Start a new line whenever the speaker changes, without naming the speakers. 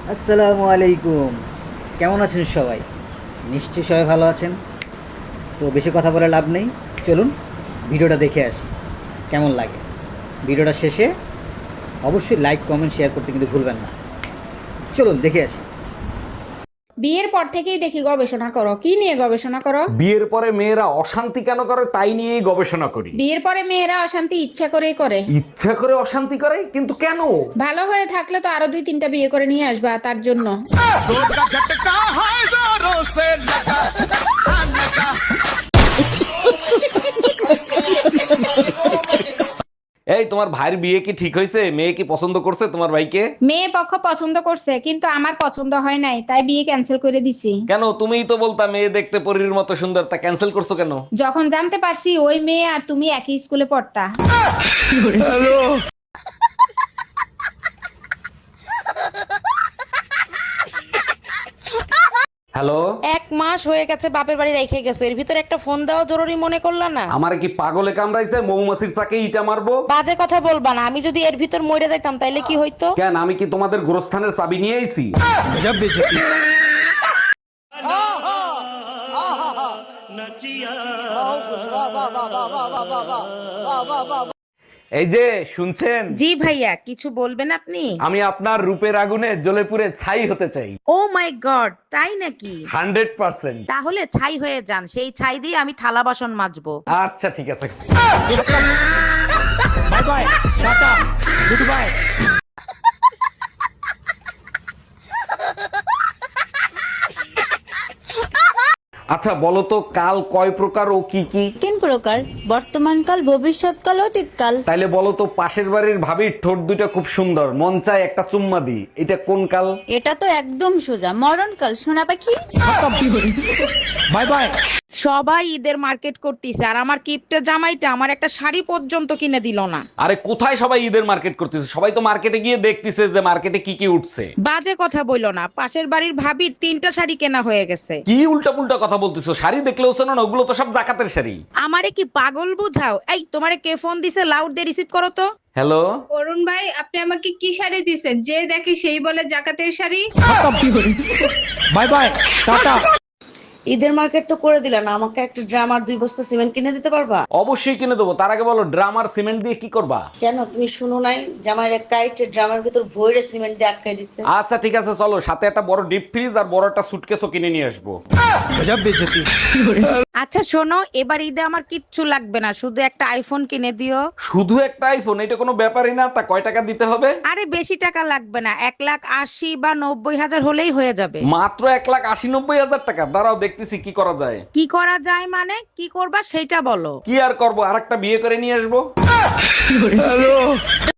আসসালামু আলাইকুম। কেমন আছেন সবাই? নিশ্চয়ই সবাই ভালো আছেন। তো বেশি কথা বলে লাভ নেই, চলুন ভিডিওটা দেখে আসি কেমন লাগে। ভিডিওটা শেষে অবশ্যই লাইক কমেন্ট শেয়ার করতে কিন্তু ভুলবেন না। চলুন দেখে আসি।
বিয়ের পর থেকেই দেখি গবেষণা করো। কি নিয়ে গবেষণা করো?
বিয়ের পরে মেয়েরা অশান্তি কেন করে তাই নিয়েই গবেষণা করি।
বিয়ের পরে মেয়েরা অশান্তি ইচ্ছা করেই করে।
ইচ্ছা করে অশান্তি করে, কিন্তু কেন?
ভালো হয়ে থাকলে তো আরো 2-3টা বিয়ে করে নিয়ে আসবা তার জন্য।
এই তোমার ভাইয়ের বিয়ে কি ঠিক হয়েছে? মেয়ে কি পছন্দ করছে তোমার ভাইকে?
মেয়ে পক্ষ পছন্দ করছে, কিন্তু আমার পছন্দ হয় নাই, তাই বিয়ে ক্যান্সেল করে দিছি।
কেন? তুমিই তো বলতা মেয়ে দেখতে পরীর মতো সুন্দর, তা ক্যান্সেল করছো কেন?
যখন জানতে পারছি ওই মেয়ে আর তুমি একই স্কুলে পড়তা।
হ্যালো,
1 মাস হয়ে গেছে বাপের বাড়ি রেখে গেছো, এর ভিতরে একটা ফোন দেওয়া জরুরি মনে করলা না?
আমার কি পাগলে কামড়াইছে? মৌমাছির চাকে ইটা মারবো?
বাজে কথা বলবা না, আমি যদি এর ভিতর মরে যাইতাম তাইলে কি হইতো?
কেন, আমি কি তোমাদের গোরস্থানের চাবি নিয়ে আইছি? এই যে শুনছেন,
জি ভাইয়া, কিছু বলবেন আপনি?
আমি আপনার রূপের আগুনে জ্বলে পুড়ে ছাই হতে চাই।
ও মাই গড, তাই নাকি?
100%।
তাহলে ছাই হয়ে যান, সেই ছাই দিয়ে আমি থালা বাসন মাজবো।
আচ্ছা ঠিক আছে। আচ্ছা বলো তো, কাল কয় প্রকার ও কি কি?
3 প্রকার: বর্তমানকাল, ভবিষ্যৎকাল, অতীতকাল।
তাইলে বলো তো, পাশের বাড়ির ভাবির ঠোঁট দুটো খুব সুন্দর, মন চায় একটা চুম্মা দি, এটা কোন কাল?
এটা তো একদম সোজা, মরণকাল, সোনা পাখি।
Bye bye.
সবাই ঈদের মার্কেট করতেছে, আর আমার কিপটে জামাইটা আমার একটা শাড়ি পর্যন্ত কিনে দিল না।
আরে কোথায় সবাই ঈদের মার্কেট করতেছে? সবাই তো মার্কেটে গিয়ে দেখতেছে যে মার্কেটে কি কি উঠছে।
বাজে কথা বইলো না, পাশের বাড়ির ভাবির 3টা শাড়ি কেনা হয়ে গেছে।
কি উল্টা পুল্টা কথা বলতেছো? শাড়ি দেখলেও শোনো না, ওগুলো তো সব জাকাতের শাড়ি।
আমারে কি পাগল বুঝাও? এই তোমারে কে ফোন দিছে? লাউড দিয়ে রিসিভ করো তো।
হ্যালো,
অরুণ ভাই, আপনি আমাকে কি শাড়ি দিছেন? যে দেখি সেই বলে জাকাতের শাড়ি।
Bye bye, tata.
ঈদের মার্কেট তো করে দিলেন, আমাকে একটা ড্রাম আর 2 বস্তা সিমেন্ট কিনে দিতে পারবা?
অবশ্যই কিনে দেবো। তার আগে বলো, ড্রাম আর সিমেন্ট দিয়ে কি করবা?
কেন, তুমি শুনো নাই? জামাইয়ের এক কাইটে ড্রামের ভিতর ভরে সিমেন্ট দিয়ে আটকাই দিচ্ছে।
আচ্ছা ঠিক আছে, চলো, সাথে একটা বড় ডিপ ফ্রিজ আর বড় একটা সুটকেসও কিনে নিয়ে আসবো।
আচ্ছা শোনো, এবার ঈদে আমার কিচ্ছু লাগবে না, শুধু একটা আইফোন কিনে দিও।
শুধু একটা আইফোন? এটা কোনো ব্যাপারই না। তা কয় টাকা দিতে হবে?
আরে বেশি টাকা লাগবে না, 1,80,000 বা 90,000 হলেই হয়ে যাবে।
মাত্র 1,80,000-90,000 টাকা? দাঁড়াও দেখতেছি কি করা যায়।
কি করা যায় মানে? কি করবা সেইটা বলো।
কি আর করবো, আরেকটা বিয়ে করে নিয়ে আসবো।